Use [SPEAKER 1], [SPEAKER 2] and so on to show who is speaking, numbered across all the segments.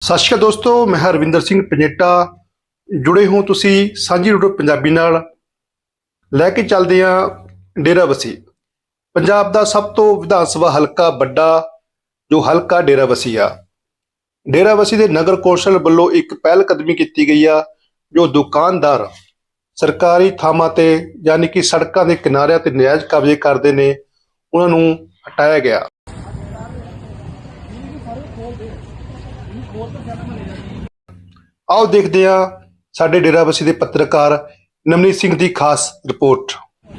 [SPEAKER 1] ਸਤਿ ਸ਼੍ਰੀ ਅਕਾਲ ਦੋਸਤੋ, ਮੈਂ ਹਰਵਿੰਦਰ ਸਿੰਘ ਪੰਜੇਟਾ। ਜੁੜੇ ਹੋ ਤੁਸੀਂ ਸਾਂਝੀ ਰੂਟ ਪੰਜਾਬੀ ਨਾਲ। ਲੈ ਕੇ ਚੱਲਦੇ ਹਾਂ ਡੇਰਾਬੱਸੀ, ਪੰਜਾਬ ਦਾ ਸਭ ਤੋਂ ਵਿਧਾਨ ਸਭਾ ਹਲਕਾ ਵੱਡਾ ਜੋ ਹਲਕਾ ਡੇਰਾਬੱਸੀ ਆ। ਡੇਰਾਬੱਸੀ ਦੇ ਨਗਰ ਕੌਂਸਲ ਵੱਲੋਂ ਇੱਕ ਪਹਿਲ ਕਦਮੀ ਕੀਤੀ ਗਈ ਆ, ਜੋ ਦੁਕਾਨਦਾਰ ਸਰਕਾਰੀ ਥਾਵਾਂ ਤੇ ਯਾਨੀ ਕਿ ਸੜਕਾਂ ਦੇ ਕਿਨਾਰਿਆਂ ਤੇ ਨਜਾਇਜ਼ ਕਬਜ਼ੇ ਕਰਦੇ ਨੇ, ਉਹਨਾਂ ਨੂੰ ਹਟਾਇਆ ਗਿਆ। ਆਓ ਦੇਖਦੇ ਹਾਂ ਸਾਡੇ ਡੇਰਾਬੱਸੀ ਦੇ ਪੱਤਰਕਾਰ ਨਵਨੀਤ ਸਿੰਘ ਦੀ ਖਾਸ ਰਿਪੋਰਟ।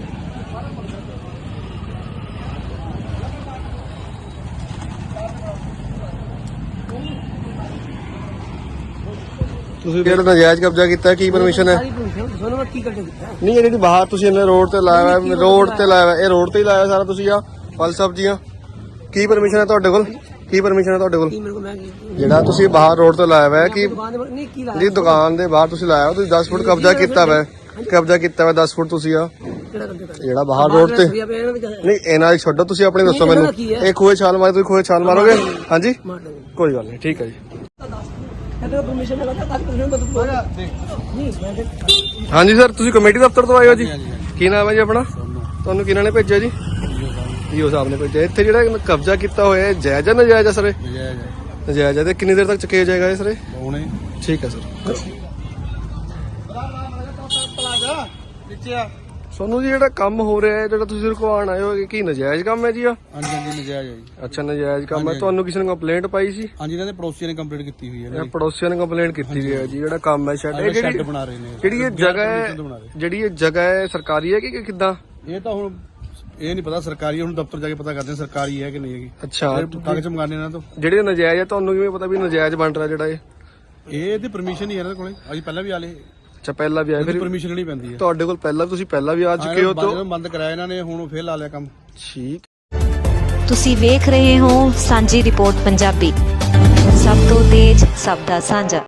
[SPEAKER 2] ਤੁਸੀਂ ਜਿਹੜਾ ਨਜਾਇਜ਼ ਕਬਜ਼ਾ ਕੀਤਾ ਕੀ ਪਰਮਿਸ਼ਨ ਹੈ? ਨਹੀਂ, ਇਹ ਜਿਹੜੀ ਬਾਹਰ ਤੁਸੀਂ ਇਹਨੇ ਰੋਡ ਤੇ ਲਾਇਆ ਹੋਇਆ, ਰੋਡ ਤੇ ਲਾਇਆ ਹੋਇਆ, ਇਹ ਰੋਡ ਤੇ ਹੀ ਲਾਇਆ ਸਾਰਾ ਤੁਸੀਂ ਆ ਫਲ ਸਬਜ਼ੀਆਂ। ਕੀ ਪਰਮਿਸ਼ਨ ਹੈ ਤੁਹਾਡੇ ਕੋਲ? ਕੀ ਪਰਮਿਸ਼ਨ ਹੈ ਤੁਹਾਡੇ ਕੋਲ? ਜਿਹੜਾ ਤੁਸੀਂ ਬਾਹਰ ਰੋਡ ਤੇ ਲਾਇਆ ਹੋਇਆ ਕਿ ਜਿਹੜੀ ਦੁਕਾਨ ਦੇ ਬਾਹਰ ਤੁਸੀਂ ਲਾਇਆ, ਤੁਸੀਂ 10 ਫੁੱਟ ਕਬਜ਼ਾ ਕੀਤਾ ਹੋਇਆ, ਕਬਜ਼ਾ ਕੀਤਾ ਹੋਇਆ 10 ਫੁੱਟ ਤੁਸੀਂ ਆ ਜਿਹੜਾ ਬਾਹਰ ਰੋਡ ਤੇ। ਨਹੀਂ, ਇਹਨਾਂ ਦੀ ਛੱਡੋ, ਤੁਸੀਂ ਆਪਣੇ ਦੱਸੋ ਮੈਨੂੰ। ਇਹ ਖੂਹੇ ਛਾਲ ਮਾਰੇ, ਤੁਸੀਂ ਖੂਹੇ ਛਾਲ ਮਾਰੋਗੇ? ਹਾਂਜੀ, ਕੋਈ ਗੱਲ ਨਹੀਂ, ਠੀਕ ਹੈ ਜੀ। ਹਾਂਜੀ ਸਰ, ਤੁਸੀਂ ਕਮੇਟੀ ਦਫ਼ਤਰ ਤੋਂ ਆਏ ਹੋ ਜੀ? ਕੀ ਨਾਮ ਹੈ ਜੀ ਆਪਣਾ? ਤੁਹਾਨੂੰ ਕਿਹਨਾਂ ਨੇ ਭੇਜਿਆ ਜੀ? ਈਓ ਸਾਹਿਬ ਨੇ ਭੇਜਿਆ। ਇੱਥੇ ਜਿਹੜਾ ਕਬਜ਼ਾ ਕੀਤਾ ਹੋਇਆ ਹੈ ਜਾਇਜ਼ ਹੈ ਨਜਾਇਜ਼ ਹੈ ਸਰ? ਨਜਾਇਜ਼ ਹੈ। ਤੇ ਕਿੰਨੀ ਦੇਰ ਤੱਕ ਚੁੱਕਿਆ ਜਾਏਗਾ ਇਹ ਸਰ? ਠੀਕ ਹੈ ਸਰ। ਸੋਨੂੰ ਜੀ, ਜਿਹੜਾ ਕੰਮ ਹੋ ਰਿਹਾ ਹੈ, ਜਿਹੜਾ ਤੁਸੀਂ ਰੁਕਵਾਉਣ ਆਏ ਹੋ, ਕੀ ਨਜਾਇਜ਼ ਕੰਮ ਹੈ ਜੀ?
[SPEAKER 3] ਹਾਂਜੀ ਹਾਂਜੀ, ਨਜਾਇਜ਼ ਹੈ ਜੀ।
[SPEAKER 2] ਅੱਛਾ, ਨਜਾਇਜ਼ ਕੰਮ ਹੈ। ਤੁਹਾਨੂੰ ਕਿਸੇ ਨੇ ਕੰਪਲੇਂਟ ਪਾਈ ਸੀ?
[SPEAKER 3] ਹਾਂਜੀ, ਇਹਨਾਂ ਦੇ ਪੜੋਸੀਆਂ ਨੇ ਕੰਪਲੇਂਟ ਕੀਤੀ ਹੋਈ ਹੈ।
[SPEAKER 2] ਪੜੋਸੀਆਂ ਨੇ ਕੰਪਲੇਂਟ ਕੀਤੀ ਹੋਈ ਹੈ ਜੀ। ਜਿਹੜਾ ਕੰਮ ਹੈ
[SPEAKER 3] ਸ਼ੈੱਡ ਬਣਾ ਰਹੇ ਨੇ,
[SPEAKER 2] ਜਿਹੜੀ ਇਹ ਜਗ੍ਹਾ ਹੈ, ਜਿਹੜੀ ਇਹ ਜਗ੍ਹਾ ਹੈ ਸਰਕਾਰੀ ਹੈ ਕਿ ਕਿੱਦਾਂ?
[SPEAKER 3] ਇਹ ਤਾਂ ਹੁਣ ਇਹ ਨਹੀਂ ਪਤਾ ਸਰਕਾਰੀ, ਹੁਣ ਦਫ਼ਤਰ ਜਾ ਕੇ ਪਤਾ ਕਰਦੇ ਸਰਕਾਰੀ ਹੈ ਕਿ ਨਹੀਂ ਹੈਗੀ।
[SPEAKER 2] ਅੱਛਾ,
[SPEAKER 3] ਕਾਗਜ਼ ਮੰਗਾਣੇ ਇਹਨਾਂ ਤੋਂ।
[SPEAKER 2] ਜਿਹੜੇ ਨਜਾਇਜ਼ ਹੈ ਤੁਹਾਨੂੰ ਕਿਵੇਂ ਪਤਾ ਵੀ ਨਜਾਇਜ਼ ਬਣ ਰਿਹਾ ਜਿਹੜਾ ਇਹ?
[SPEAKER 3] ਇਹਦੀ ਪਰਮਿਸ਼ਨ ਹੀ ਹੈ ਇਹਨਾਂ ਕੋਲੇ। ਅਸੀਂ ਪਹਿਲਾਂ ਵੀ ਆਲੇ।
[SPEAKER 2] ਅੱਛਾ, ਪਹਿਲਾਂ ਵੀ ਆਏ? ਫਿਰ
[SPEAKER 3] ਪਰਮਿਸ਼ਨ ਨਹੀਂ ਪੈਂਦੀ ਹੈ
[SPEAKER 2] ਤੁਹਾਡੇ ਕੋਲ? ਪਹਿਲਾਂ ਤੁਸੀਂ ਪਹਿਲਾਂ ਵੀ ਆ ਚੁੱਕੇ ਹੋ? ਤਾਂ
[SPEAKER 3] ਬੰਦ ਕਰਾਇਆ ਇਹਨਾਂ ਨੇ, ਹੁਣ ਫੇਰ ਲਾ ਲਿਆ ਕੰਮ।
[SPEAKER 2] ਠੀਕ।
[SPEAKER 4] ਤੁਸੀਂ ਵੇਖ ਰਹੇ ਹੋ ਸਾਂਝੀ ਰਿਪੋਰਟ ਪੰਜਾਬੀ, ਸਭ ਤੋਂ ਤੇਜ਼, ਸਭ ਦਾ ਸਾਂਝਾ।